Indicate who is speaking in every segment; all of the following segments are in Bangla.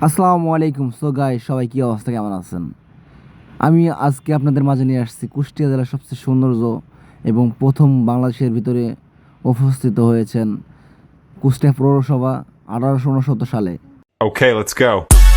Speaker 1: আসসালামু আলাইকুম। সো গাইস, সবাই কি অবস্থা, কেমন আছেন? আমি আজকে আপনাদের মাঝে নিয়ে আসছি কুষ্টিয়া জেলার সবচেয়ে সৌন্দর্য এবং প্রথম বাংলাদেশের ভিতরে উপস্থিত হয়েছেন কুষ্টিয়া পৌরসভা 1869 সালে।
Speaker 2: Okay, let's go.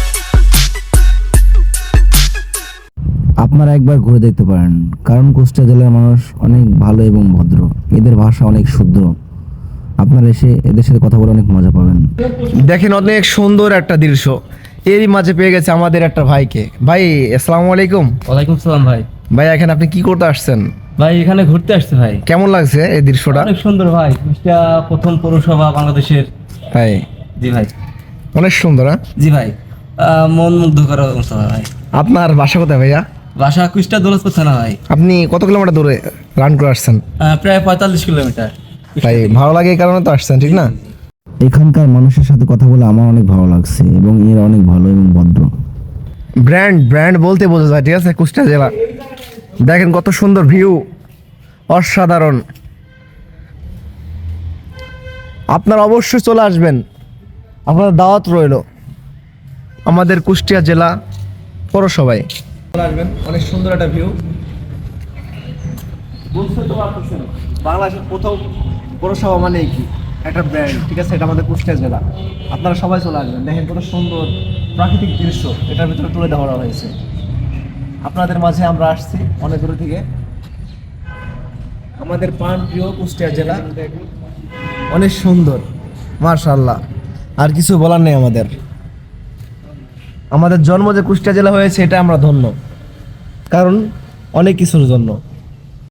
Speaker 1: আপনারা একবার ঘুরে দেখতে পারেন, কারণ কুষ্টিয়া জেলার মানুষ অনেক ভালো এবং ভদ্র, এদের ভাষা অনেক শুদ্ধ। আপনারা এসে এদের সাথে কথা বলে অনেক মজা পাবেন।
Speaker 3: দেখেন অনেক সুন্দর একটা দৃশ্য। এরই মাঝে পেয়ে গেছে আমাদের একটা ভাইকে। ভাই আসসালামু আলাইকুম।
Speaker 4: ওয়ালাইকুম সালাম ভাই।
Speaker 3: ভাই এখানে আপনি কি করতে আসছেন?
Speaker 4: ভাই এখানে ঘুরতে আসছে ভাই।
Speaker 3: কেমন লাগছে এই দৃশ্যটা?
Speaker 4: অনেক সুন্দর ভাই, কুষ্টিয়া প্রথম পৌরসভা বাংলাদেশের।
Speaker 3: ভাই
Speaker 4: জি ভাই।
Speaker 3: অনেক সুন্দর। হ্যাঁ
Speaker 4: জি ভাই, মন মুগ্ধ করা অবস্থা ভাই।
Speaker 3: আপনার বাসা কোথায় ভাইয়া?
Speaker 4: বাসা কুষ্টিয়া দৌলতপুর থানা ভাই।
Speaker 3: আপনি কত কিলোমিটার দূরে রান করে আসছেন?
Speaker 4: প্রায় 45 কিলোমিটার।
Speaker 3: ভাই ভালো লাগে এই কারণে তো আসছেন, ঠিক না?
Speaker 1: এখানকার মানুষের সাথে কথা বলে আমার অনেক ভালো লাগছে এবং এরা অনেক ভালো এবং ভদ্র।
Speaker 3: ব্র্যান্ড বলতে বোঝা যায়, ঠিক আছে? কুষ্টিয়া জেলা দেখেন কত সুন্দর ভিউ, অসাধারণ। আপনারা অবশ্যই চলে আসবেন, আপনার দাওয়াত রইল আমাদের কুষ্টিয়া জেলা পৌরসভায়। চলে আসবেন, অনেক সুন্দর একটা ভিউ। বুঝতে তো পারতেছেন বাংলাদেশের প্রথম পৌরসভা মানে কি একটা ব্র্যান্ড, ঠিক আছে? এটা আমাদের কুষ্টিয়া জেলা। আপনারা সবাই চলে আসবেন, দেখেন কত সুন্দর প্রাকৃতিক দৃশ্য এটার ভিতরে তুলে ধরা হয়েছে। আপনাদের মাঝে আমরা আসছি অনেক দূর থেকে, আমাদের প্রাণপ্রিয় কুষ্টিয়া জেলা অনেক সুন্দর, মাশাআল্লাহ। আর কিছু বলার নেই আমাদের। আমাদের জন্ম যে কুষ্টিয়া জেলা হয়েছে এটা আমরা ধন্য, কারণ অনেক কিছুর জন্য।